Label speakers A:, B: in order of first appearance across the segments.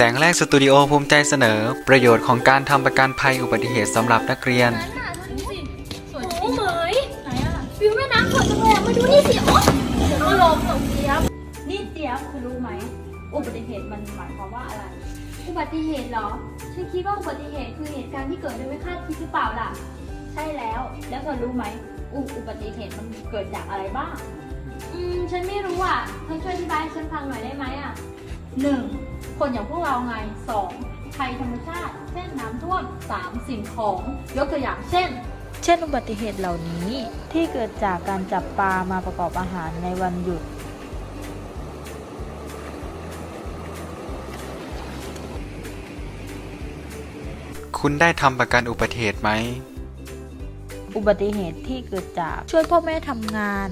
A: งแรกสตูดิโอภูมิใจเสนอ ประโยชน์ของการทำประกันภัยอุบัติเหตุสำหรับนักเรียน
B: โอ้เหมยไหนอะวิวแม่น้ำสวยจังเลยมาดูนี่สิโอ้ก็ลมตกเจี๊ยบนี่เจี๊ยบคุณรู้ไหมอุบัติเหตุมันหมายความว่าอะไรอุบัติเหตุเหรอฉันคิดว่าอุบัติเหตุคือเหตุการณ์ที่เกิดโดยไม่คาดคิดหรือเปล่าล่ะใช่แล้วเธอรู้ไหมอุบัติเหตุมันเกิดจากอะไรบ้างฉันไม่รู้อ่ะเธอช่วยอธิบายให้ฉันฟังหน่อยได้ไหมอ่ะ1. คนอย่างพวกเราไง 2. ภัยธรรมชาติเช่นน้ำท่วม 3. สิ่งของยกตัวอย่างเช่น
C: อุบัติเหตุเหล่านี้ที่เกิดจากการจับปลามาประกอบอาหารในวันหยุด
A: คุณได้ทำประกันอุบัติเหตุไหม
C: อุบัติเหตุที่เกิดจากช่วยพ่อแม่ทำงาน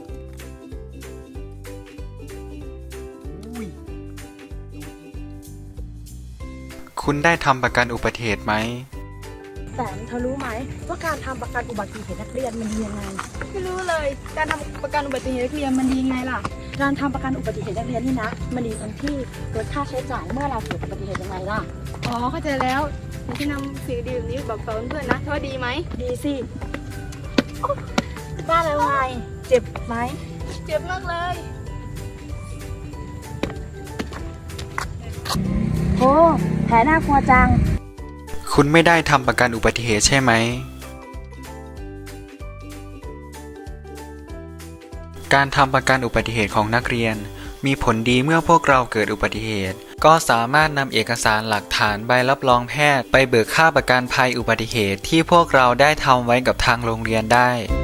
A: คุณได้ทำประกันอุบัติเหตุไหม
D: แสมเธอรู้ไหมว่าการทำประกันอุบัติเหตุนักเรียนมันดียังไง
E: ไม่รู้เลยการทำประกันอุบัติเหตุนักเรียนมันดียังไงล่ะ
D: การทำประกันอุบัติเหตุนักเรียนนี่นะมันดีตรงที่ลดค่าใช้จ่ายเมื่อเราเกิดอุบัติเหตุยังไงล่ะ
E: อ๋อเข้าใจแล้วฉันจะนำสิ่งดีแบบนี้บอกต่อเพื่อนนะเธอว่าดีไหม
D: ดีสิบ้านอะไรวะเจ็บไหม
E: เจ็บมากเลย
D: โอ้แผลน่ากลัวจัง
A: คุณไม่ได้ทำประกันอุบัติเหตุใช่ไหมการทำประกันอุบัติเหตุของนักเรียนมีผลดีเมื่อพวกเราเกิดอุบัติเหตุก็สามารถนำเอกสารหลักฐานใบรับรองแพทย์ไปเบิกค่าประกันภัยอุบัติเหตุที่พวกเราได้ทำไว้กับทางโรงเรียนได้